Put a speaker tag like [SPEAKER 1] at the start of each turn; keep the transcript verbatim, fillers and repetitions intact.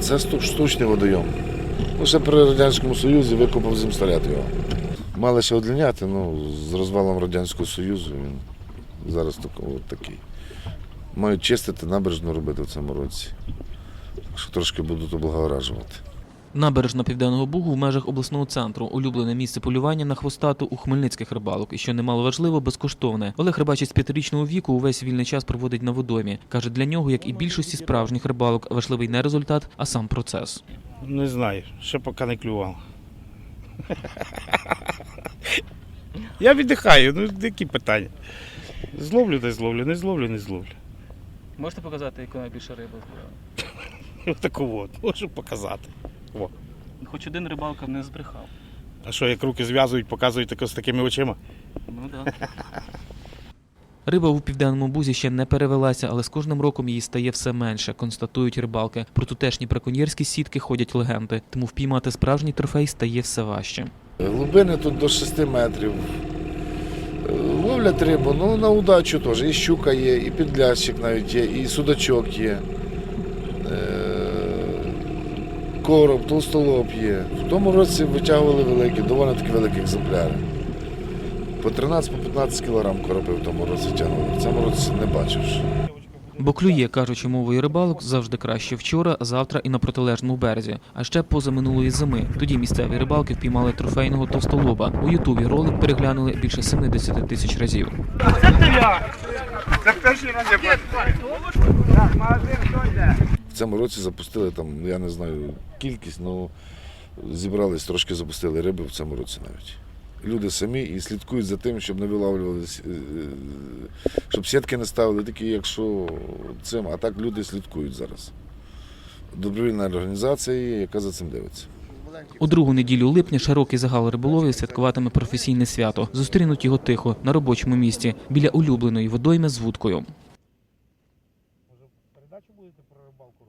[SPEAKER 1] Це штучний водойом. Ну, ще при Радянському Союзі викопав земстаряд його. Мали ще одлиняти, ну, з розвалом Радянського Союзу він зараз такий. Мають чистити, набережну робити в цьому році. Так що трошки будуть облагоражувати.
[SPEAKER 2] Набережна Південного Бугу в межах обласного центру – улюблене місце полювання на хвостату у хмельницьких рибалок. І, що немало важливо, безкоштовне. Олег Рибачить з п'ятирічного віку увесь вільний час проводить на водоймі. Каже, для нього, як і більшості справжніх рибалок, важливий не результат, а сам процес.
[SPEAKER 3] Не знаю, ще поки не клював. Я віддихаю, ну які питання. Зловлю, не зловлю, не зловлю, не зловлю.
[SPEAKER 2] Можете показати, яку найбільше риба?
[SPEAKER 3] Отаку от, можу показати. О.
[SPEAKER 2] Хоч один рибалка не збрехав.
[SPEAKER 3] А що, як руки зв'язують, показують тако з такими очима?
[SPEAKER 2] Ну так. Риба у Південному Бузі ще не перевелася, але з кожним роком її стає все менше, констатують рибалки. Про тутешні браконьєрські сітки ходять легенди, тому впіймати справжній трофей стає все важче.
[SPEAKER 1] Глибини тут до шести метрів. Ловлять рибу, ну на удачу теж. І щука є, і підлящик навіть є, і судачок є. Короб, толстолоб є. В тому році витягували великі, доволі таки великі екземпляри. По тринадцять-п'ятнадцять кілограм короби в тому році тягнули. В цьому році не бачив.
[SPEAKER 2] Бо клює, кажучи мовою рибалок, завжди краще вчора, завтра і на протилежному березі. А ще позаминулої зими. Тоді місцеві рибалки впіймали трофейного товстолоба. У Ютубі ролик переглянули більше сімдесят тисяч разів.
[SPEAKER 3] Це перший раз я бачу.
[SPEAKER 1] В цьому році запустили, там, я не знаю кількість, але зібрались, трошки запустили риби в цьому році навіть. Люди самі і слідкують за тим, щоб не виловлювалися, щоб сітки не ставили, такі, якщо цим, а так люди слідкують зараз. Добровільна організація є, яка за цим дивиться.
[SPEAKER 2] У другу неділю липня широкий загал риболовів святкуватиме професійне свято. Зустрінуть його тихо, на робочому місці, біля улюбленої водойми з вудкою.